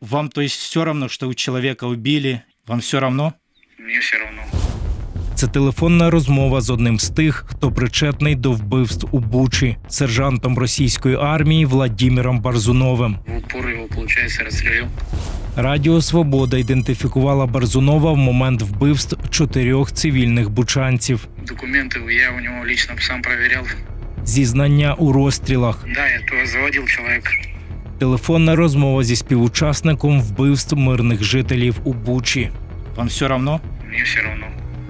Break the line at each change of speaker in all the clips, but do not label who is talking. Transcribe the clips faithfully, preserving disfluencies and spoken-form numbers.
Вам, то есть, все равно, что у человека убили? Вам все равно?
Мне все равно.
Це телефонна розмова з одним з тих, хто причетний до вбивств у Бучі, сержантом російської армії Владимиром Барзуновим.
В упор его, получается, расстрелил.
Радіо «Свобода» ідентифікувала Барзунова в момент вбивств чотирьох цивільних бучанців.
Документы я у него лично сам проверял.
Зізнання у розстрілах.
Да, я то заводил человека.
Телефонна розмова зі співучасником вбивств мирних жителів у Бучі. Вам все равно?
Мне все равно.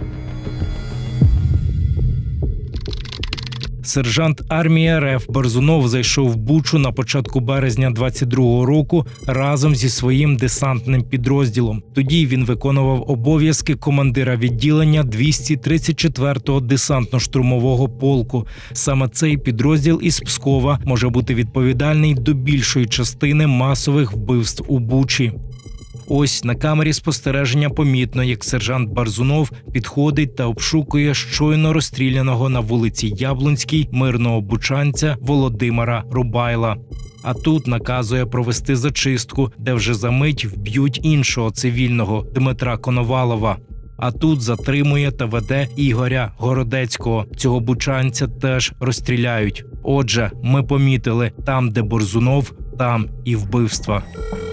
Сержант армії РФ Барзунов зайшов в Бучу на початку березня двадцять другого року разом зі своїм десантним підрозділом. Тоді він виконував обов'язки командира відділення двісті тридцять четвертого десантно-штурмового полку. Саме цей підрозділ із Пскова може бути відповідальний до більшої частини масових вбивств у Бучі. Ось на камері спостереження помітно, як сержант Барзунов підходить та обшукує щойно розстріляного на вулиці Яблунській мирного бучанця Володимира Рубайла. А тут наказує провести зачистку, де вже за мить вб'ють іншого цивільного Дмитра Коновалова. А тут затримує та веде Ігоря Городецького. Цього бучанця теж розстріляють. Отже, ми помітили, там, де Барзунов, там і вбивства.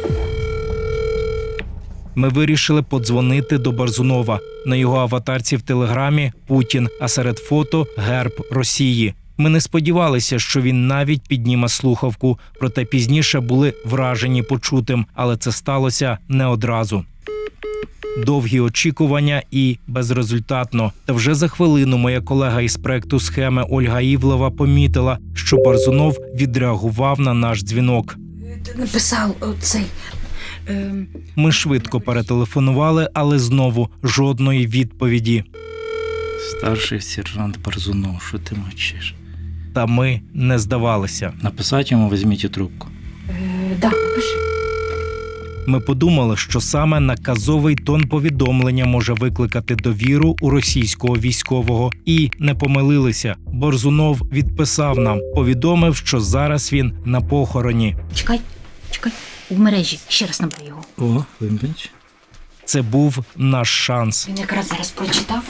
Ми вирішили подзвонити до Барзунова. На його аватарці в Телеграмі – Путін, а серед фото – герб Росії. Ми не сподівалися, що він навіть підніме слухавку, проте пізніше були вражені почутим, але це сталося не одразу. Довгі очікування і безрезультатно. Та вже за хвилину моя колега із проекту «Схеми» Ольга Івлева помітила, що Барзунов відреагував на наш дзвінок.
Ти написав оцей... Ем...
Ми швидко перетелефонували, але знову жодної відповіді.
Старший сержант Барзунов, що ти мовчиш?
Та ми не здавалися.
Написати йому, візьміть трубку.
Е, да, напиши.
Ми подумали, що саме наказовий тон повідомлення може викликати довіру у російського військового. І не помилилися. Барзунов відписав нам, повідомив, що зараз він на похороні.
Чекай, чекай. У мережі. Ще раз набери його.
О, вибач.
Це був наш шанс.
Він якраз зараз прочитав.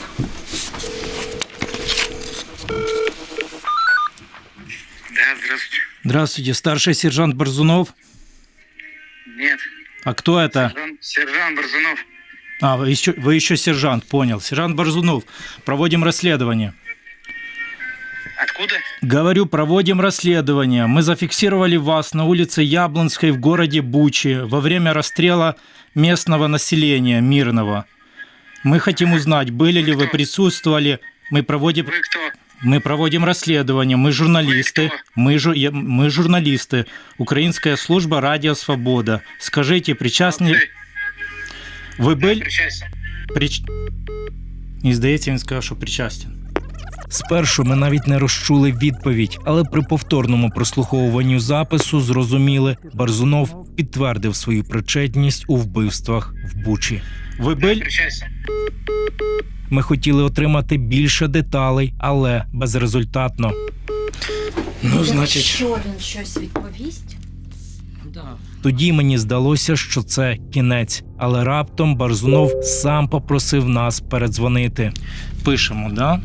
Да, здравствуйте.
Здравствуйте, старший сержант Барзунов.
Нет.
А кто это?
Сержант, сержант Барзунов.
А, вы еще, вы еще сержант, понял. Сержант Барзунов, проводим расследование.
Откуда?
Говорю, проводим расследование. Мы зафиксировали вас на улице Яблонской в городе Бучи во время расстрела местного населения, мирного. Мы хотим узнать, были ли вы присутствовали. Мы проводим,
Вы кто?
мы проводим расследование. Мы журналисты.
Вы кто?
Мы, жу, я- мы журналисты. Украинская служба «Радио Свобода». Скажите, причастны...
Ты.
Вы были...
Причастен.
Прич... І здається, він сказав, що причастен. Спершу ми навіть не розчули відповідь, але при повторному прослуховуванню запису зрозуміли, Барзунов підтвердив свою причетність у вбивствах в Бучі. Ви
Да,
були?
причастен.
Ми хотіли отримати більше деталей, але безрезультатно.
Ну, значить...
Якщо він щось відповість...
Да.
Тоді мені здалося, що це кінець, але раптом Барзунов сам попросив нас передзвонити. Пишемо, да?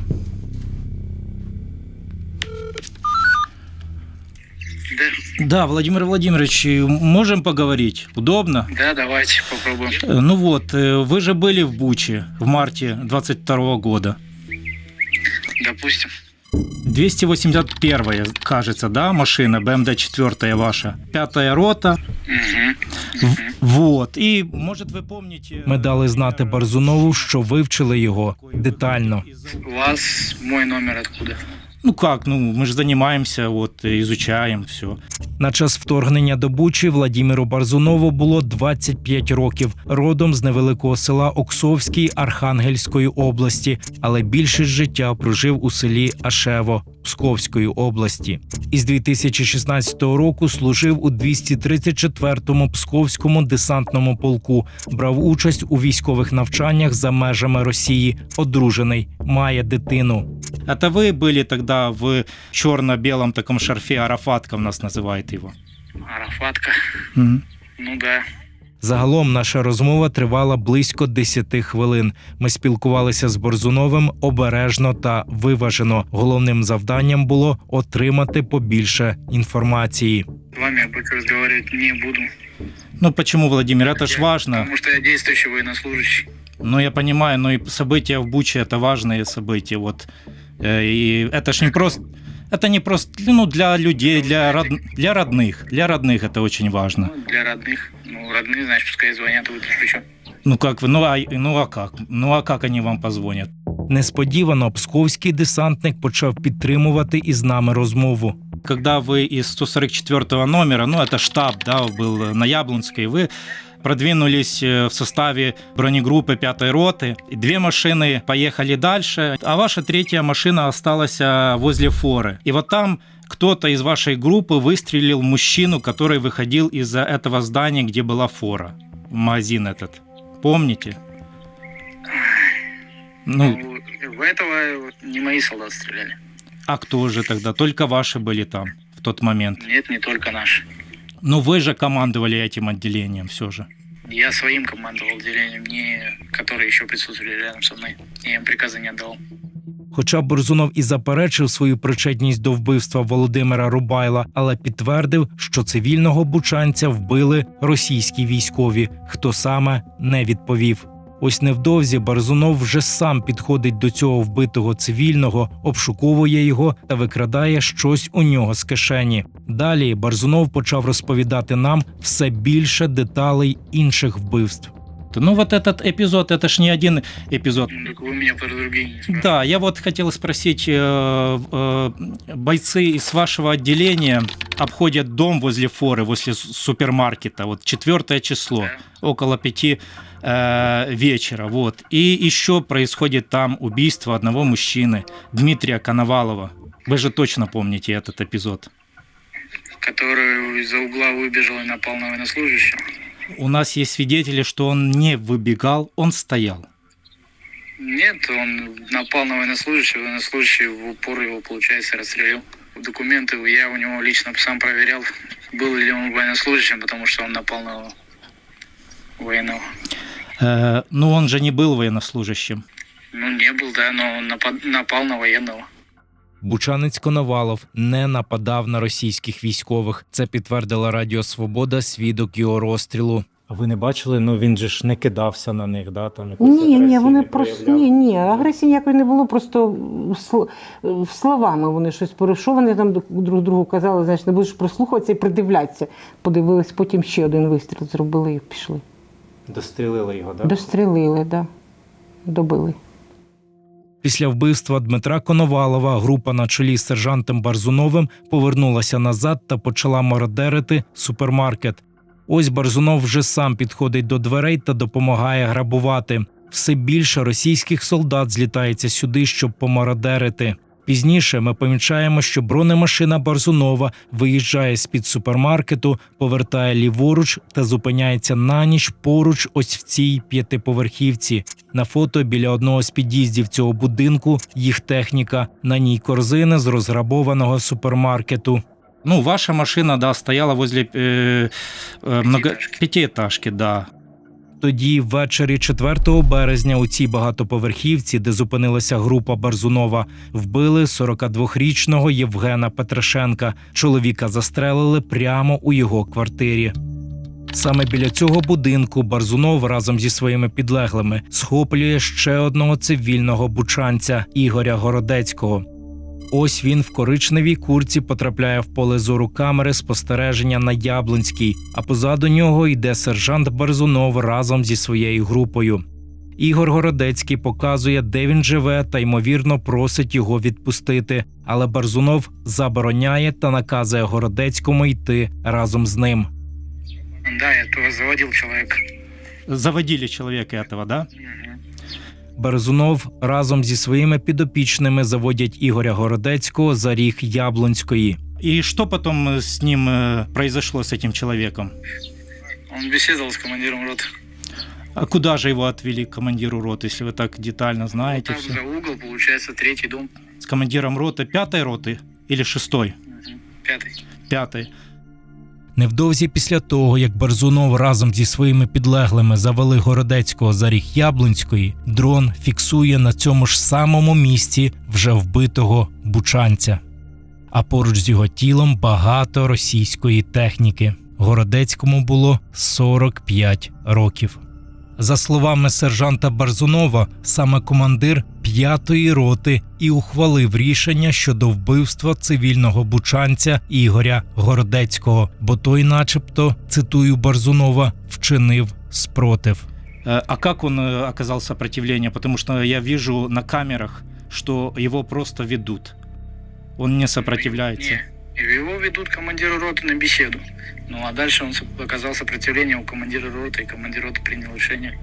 Да.
Да, Владимир Владимирович, можем поговорить? Удобно?
Да, давайте попробуем.
Э, Ну вот, э, вы же были в Буче в марте двадцать второго года.
Допустим.
двести восемьдесят первая, кажется, да, машина, бэ эм дэ четыре ваша. Пятая рота.
Угу.
В- Вот. І, може, ви пам'ятаєте... Ми дали знати Барзунову, що вивчили його детально.
У вас мой номер откуда?
Ну как, ну ми ж займаємося, от, ізучаємо все. На час вторгнення до Бучі Владимиру Барзунову було двадцять п'ять років, родом з невеликого села Оксовський Архангельської області, але більшість життя прожив у селі Ашево Псковської області. Із дві тисячі шістнадцятого року служив у двісті тридцять четвертому Псковському десантному полку, брав участь у військових навчаннях за межами Росії, одружений, має дитину. Это вы были тогда в черно-белом таком шарфе, Арафатка у нас называют его.
Арафатка.
Мгм.
Ну да.
Загалом наша розмова тривала близько десяти хвилин. Ми спілкувалися з Борзуновим обережно та виважено. Головним завданням було отримати побільше інформації.
С вами я больше разговаривать не буду.
Ну почему, Владимир, это ж важно.
Потому что я действующий военнослужащий.
Ну я понимаю, но и события в Буче это важные события. Вот. Э, И это ж не просто. Это не просто ну, для людей, для, род, для родных. Для родных это очень важно.
Ну, для родных. Ну, родные, значит, пускай звонят, вы тут при чем?
Ну как вы, ну а, ну а как? Ну а как они вам позвонят?
Несподівано псковський десантник почав підтримувати із нами розмову.
Когда вы из сто сорок четвёртого номера, ну это штаб, да, был на Яблонской, вы продвинулись в составе бронегруппы пятой роты. Две машины поехали дальше, а ваша третья машина осталась возле форы. И вот там кто-то из вашей группы выстрелил в мужчину, который выходил из этого здания, где была фора. Магазин этот. Помните? Ну,
Ну, в этого не мои солдаты стреляли.
а кто же тогда? Только ваши были там в тот момент.
Нет, не только наши.
Но вы же командовали этим отделением все же.
Я своим командовал отделением, не которые еще присутствовали рядом со мной. Я им приказа не отдал.
Хоча Борзунов і заперечив свою причетність до вбивства Володимира Рубайла, але підтвердив, що цивільного бучанця вбили російські військові. Хто саме – не відповів. Ось невдовзі Борзунов вже сам підходить до цього вбитого цивільного, обшуковує його та викрадає щось у нього з кишені. Далі Борзунов почав розповідати нам все більше деталей інших вбивств.
Ну вот этот эпизод, это ж не один эпизод.
Ну, так вы меня про другие не спрашиваете.
Да, я вот хотел спросить, э, э, бойцы из вашего отделения обходят дом возле форы, возле с- супермаркета, вот четвертое число,
Да.
около пяти э, вечера, вот. И еще происходит там убийство одного мужчины, Дмитрия Коновалова. Вы же точно помните этот эпизод.
Который из-за угла выбежал и напал на военнослужащего.
У нас есть свидетели, что он не выбегал, он стоял.
Нет, он напал на военнослужащего, военнослужащий в упор его, получается, расстрелил. Документы я у него лично сам проверял, был ли он военнослужащим, потому что он напал на военного.
Э, но он же не был военнослужащим.
Ну, не был, да, но он напад- напал на военного.
Бучанець Коновалов не нападав на російських військових. Це підтвердила Радіо Свобода, свідок його розстрілу.
А ви не бачили? Ну він же ж не кидався на них, да? Там якусь
Ні, ні,
агресію
вони
не
просто
проявляв?
ні, ні, агресії ніякої не було, просто в сл- в словами вони щось порушили. Що вони там друг другу казали, знаєш, не будеш прислухатися і придивлятися. Подивились, потім ще один вистріл зробили і пішли.
Дострілили його, да?
Дострілили, да. Добили.
Після вбивства Дмитра Коновалова група на чолі з сержантом Барзуновим повернулася назад та почала мародерити супермаркет. Ось Барзунов вже сам підходить до дверей та допомагає грабувати. Все більше російських солдат злітається сюди, щоб помародерити. Пізніше ми помічаємо, що бронемашина Барзунова виїжджає з-під супермаркету, повертає ліворуч та зупиняється на ніч поруч ось в цій п'ятиповерхівці. На фото біля одного з під'їздів цього будинку їх техніка, на ній корзини з розграбованого супермаркету.
Ну, ваша машина, да, стояла возле э, э, много...
Пятиэтажки.
пятиэтажки, да.
Тоді ввечері четвертого березня у цій багатоповерхівці, де зупинилася група Барзунова, вбили сорокадвохрічного Євгена Петрашенка. Чоловіка застрелили прямо у його квартирі. Саме біля цього будинку Барзунов разом зі своїми підлеглими схоплює ще одного цивільного бучанця – Ігоря Городецького. Ось він в коричневій куртці потрапляє в поле зору камери спостереження на Яблонській, а позаду нього йде сержант Барзунов разом зі своєю групою. Ігор Городецький показує, де він живе, та ймовірно просить його відпустити, але Барзунов забороняє та наказує Городецькому йти разом з ним.
Да, я тоже заводил человека.
Заводили человека этого, да?
Мгм.
Барзунов разом зі своїми підопічними заводять Ігоря Городецького за ріг Яблонської.
И что потом э, с ним э, произошло, с этим человеком?
Он беседовал с командиром роты.
А куда же его отвели, к командиру роты, если вы так детально знаете
Там
все?
за угол, получается, третий дом.
С командиром роты, пятой роты или шестой?
Мгм. Пятый.
Пятой.
Невдовзі після того, як Берзунов разом зі своїми підлеглими завели Городецького за ріг Яблунської, дрон фіксує на цьому ж самому місці вже вбитого бучанця. А поруч з його тілом багато російської техніки. Городецькому було сорок п'ять років. За словами сержанта Берзунова, саме командир п'ятої роти і ухвалив рішення щодо вбивства цивільного бучанця Ігоря Городецького, бо той начебто, цитую Берзунова, вчинив спротив.
Э, А как он э, оказал сопротивление? Потому что я вижу на камерах, что его просто ведут. Он не сопротивляется.
Не. Его ведут командиру роты на беседу. Ну а дальше он со- оказал сопротивление у командира роты, и командир роты принял решение.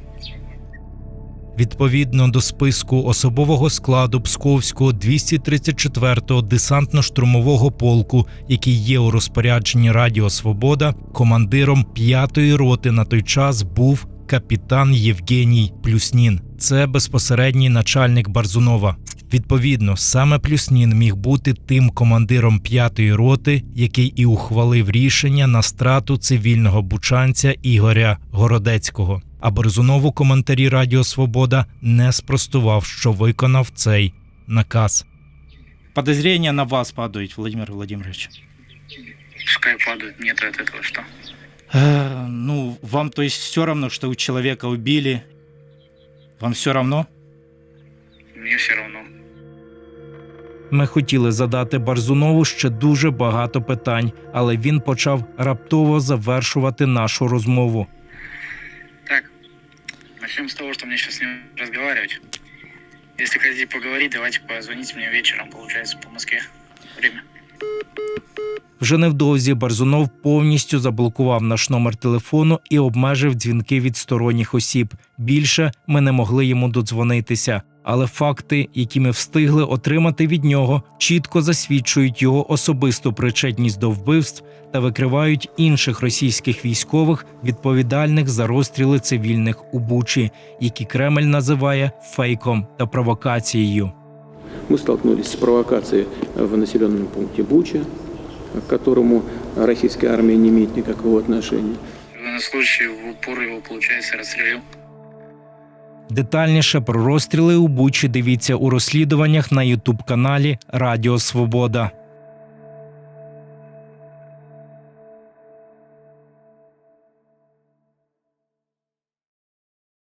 Відповідно до списку особового складу Псковського двісті тридцять четвертого десантно-штурмового полку, який є у розпорядженні Радіо Свобода, командиром п'ятої роти на той час був капітан Євгеній Плюснін. Це безпосередній начальник Берзунова. Відповідно, саме Плюснін міг бути тим командиром п'ятої роти, який і ухвалив рішення на страту цивільного бучанця Ігоря Городецького. А Берзунов у коментарі Радіо Свобода не спростував, що виконав цей наказ.
Подозрения на вас падают, Владимир Владимирович.
Пускай падают, мне-то от этого что?
Э, Ну, вам то есть все равно, что у человека убили? Вам все равно?
Мне все равно.
Ми хотіли задати Берзунову ще дуже багато питань, але він почав раптово завершувати нашу розмову.
Так, начнем с того, что мне сейчас с ним разговаривать. Если хотите поговорить, давайте позвоните мне вечером, получается, по Москве. Время.
Вже невдовзі Берзунов повністю заблокував наш номер телефону і обмежив дзвінки від сторонніх осіб. Більше ми не могли йому додзвонитися. Але факти, які ми встигли отримати від нього, чітко засвідчують його особисту причетність до вбивств та викривають інших російських військових, відповідальних за розстріли цивільних у Бучі, які Кремль називає фейком та провокацією.
Мы столкнулись с провокацией в населенном пункте Буча, к которому российская армия не имеет никакого отношения.
Военнослужащий в упор его, получается, расстрелил.
Детальніше про розстріли у Бучі дивіться у розслідуваннях на ютуб-каналі Радіо Свобода.